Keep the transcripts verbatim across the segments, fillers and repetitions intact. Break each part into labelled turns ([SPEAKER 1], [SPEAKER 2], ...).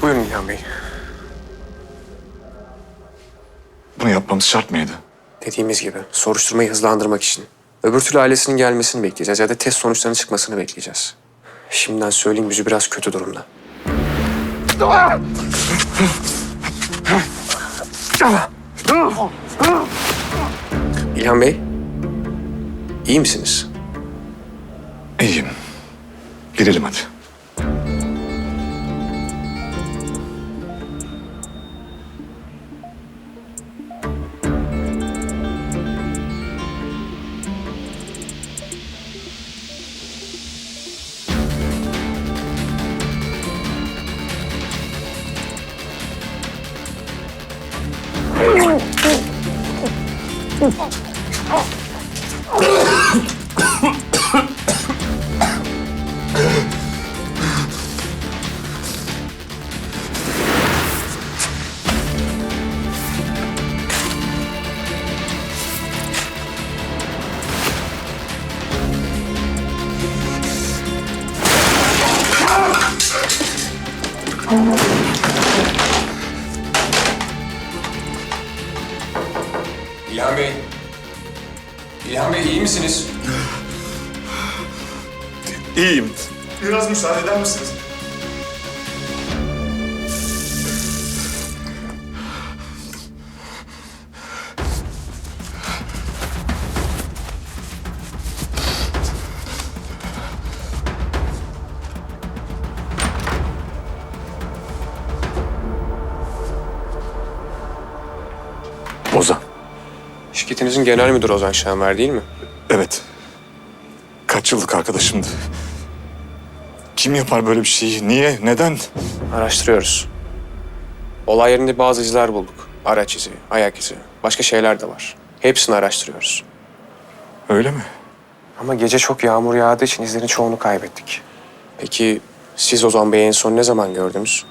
[SPEAKER 1] Buyurun İlhan Bey.
[SPEAKER 2] Bunu yapmamız şart mıydı?
[SPEAKER 1] Dediğimiz gibi soruşturmayı hızlandırmak için. Öbür türlü ailesinin gelmesini bekleyeceğiz ya da test sonuçlarının çıkmasını bekleyeceğiz. Şimdiden söyleyeyim, yüzü biraz kötü durumda. İlhan Bey, iyi misiniz?
[SPEAKER 2] İyiyim. Girelim hadi.
[SPEAKER 1] İlhan Bey. İlhan Bey, iyi misiniz?
[SPEAKER 2] İyiyim.
[SPEAKER 3] Biraz müsaade eder misiniz?
[SPEAKER 2] Ozan.
[SPEAKER 1] Şirketinizin genel müdürü Ozan Şahinver değil mi?
[SPEAKER 2] Evet. Kaç yıllık arkadaşımdı. Kim yapar böyle bir şeyi? Niye? Neden?
[SPEAKER 1] Araştırıyoruz. Olay yerinde bazı izler bulduk. Araç izi, ayak izi, başka şeyler de var. Hepsini araştırıyoruz.
[SPEAKER 2] Öyle mi?
[SPEAKER 1] Ama gece çok yağmur yağdığı için izlerin çoğunu kaybettik. Peki siz Ozan Bey'i en son ne zaman gördünüz?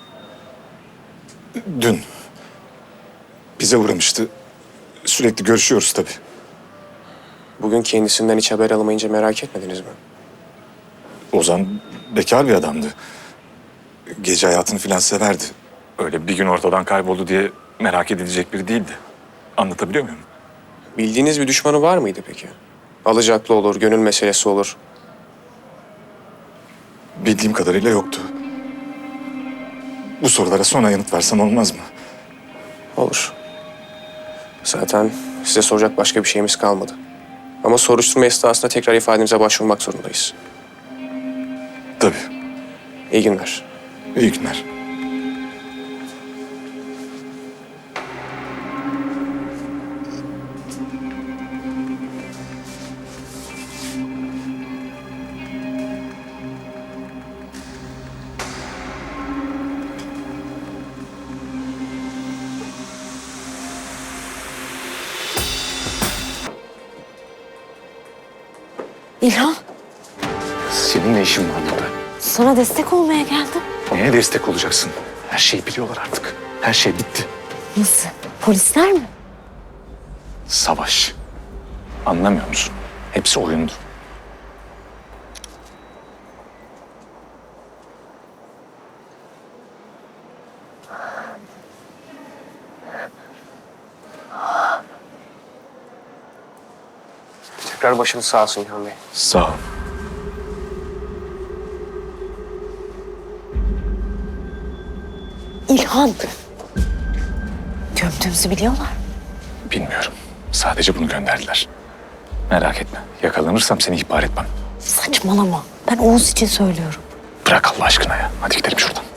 [SPEAKER 2] Dün. Bize uğramıştı. Sürekli görüşüyoruz tabii.
[SPEAKER 1] Bugün kendisinden hiç haber alamayınca merak etmediniz mi?
[SPEAKER 2] Ozan bekar bir adamdı. Gece hayatını filan severdi. Öyle bir gün ortadan kayboldu diye merak edilecek biri değildi. Anlatabiliyor muyum?
[SPEAKER 1] Bildiğiniz bir düşmanı var mıydı peki? Alacaklı olur, gönül meselesi olur.
[SPEAKER 2] Bildiğim kadarıyla yoktu. Bu sorulara sonra yanıt versem olmaz mı?
[SPEAKER 1] Olur. Zaten size soracak başka bir şeyimiz kalmadı. Ama soruşturma esnasında tekrar ifademize başvurmak zorundayız.
[SPEAKER 2] Tabii.
[SPEAKER 1] İyi günler.
[SPEAKER 2] İyi günler.
[SPEAKER 4] İlhan,
[SPEAKER 2] Senin ne işin var burada?
[SPEAKER 4] sana destek olmaya geldim.
[SPEAKER 2] Neye destek olacaksın? Her şeyi biliyorlar artık. Her şey bitti.
[SPEAKER 4] Nasıl? Polisler mi?
[SPEAKER 2] Savaş. Anlamıyor musun? Hepsi oyundu.
[SPEAKER 1] Tekrar başınız sağ olsun İlhan Bey.
[SPEAKER 2] Sağ ol.
[SPEAKER 4] İlhan. Gömdüğümüzü biliyorlar.
[SPEAKER 2] Bilmiyorum. Sadece bunu gönderdiler. Merak etme. Yakalanırsam seni ihbar etmem.
[SPEAKER 4] Saçmalama. Ben Oğuz için söylüyorum.
[SPEAKER 2] Bırak Allah aşkına ya. Hadi gidelim şuradan.